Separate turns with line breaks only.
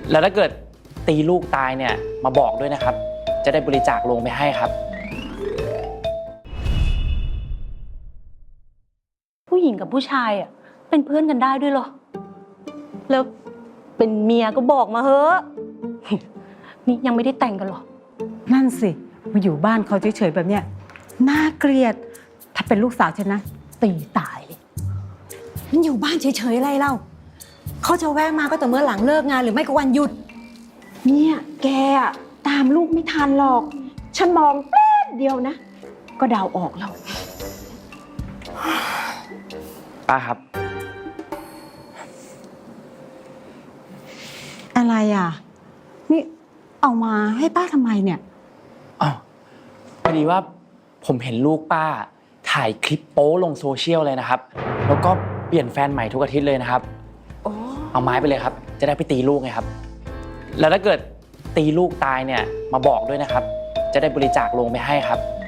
แล้วถ้าเกิดตีลูกตายเนี่ยมาบอกด้วยนะครับ จะได้บริจาคโลงไปให้ครับ
ผู้หญิงกับผู้ชายอ่ะเป็นเพื่อนกันได้ด้วยเหรอแล้วเป็นเมียก็บอกมาเฮ้อะนี่ยังไม่ได้แต่งกันหรอ
นั่นสิมาอยู่บ้านเขาเฉยๆแบบเนี้ยน่าเกลียดถ้าเป็นลูกสาวฉันนะตีตายเลย
มันอยู่บ้านเฉยๆอะไรเล่าเขาจะแวะมาก็แต่เมื่อหลังเลิกงานหรือไม่ก็วันหยุดเนี่ยแกอะตามลูกไม่ทันหรอกฉันมองแป๊บเดียวนะก็เดาออกแล้ว
ป้าครับ
อะไรอ่ะนี่เอามาให้ป้าทำไมเนี่ย
อ๋อพอดีว่าผมเห็นลูกป้าถ่ายคลิปโป๊ลงโซเชียลเลยนะครับแล้วก็เปลี่ยนแฟนใหม่ทุกอาทิตย์เลยนะครับเอาไม้ไปเลยครับจะได้ไปตีลูกไงครับแล้วถ้าเกิดตีลูกตายเนี่ยมาบอกด้วยนะครับจะได้บริจาคโลงไปให้ครับ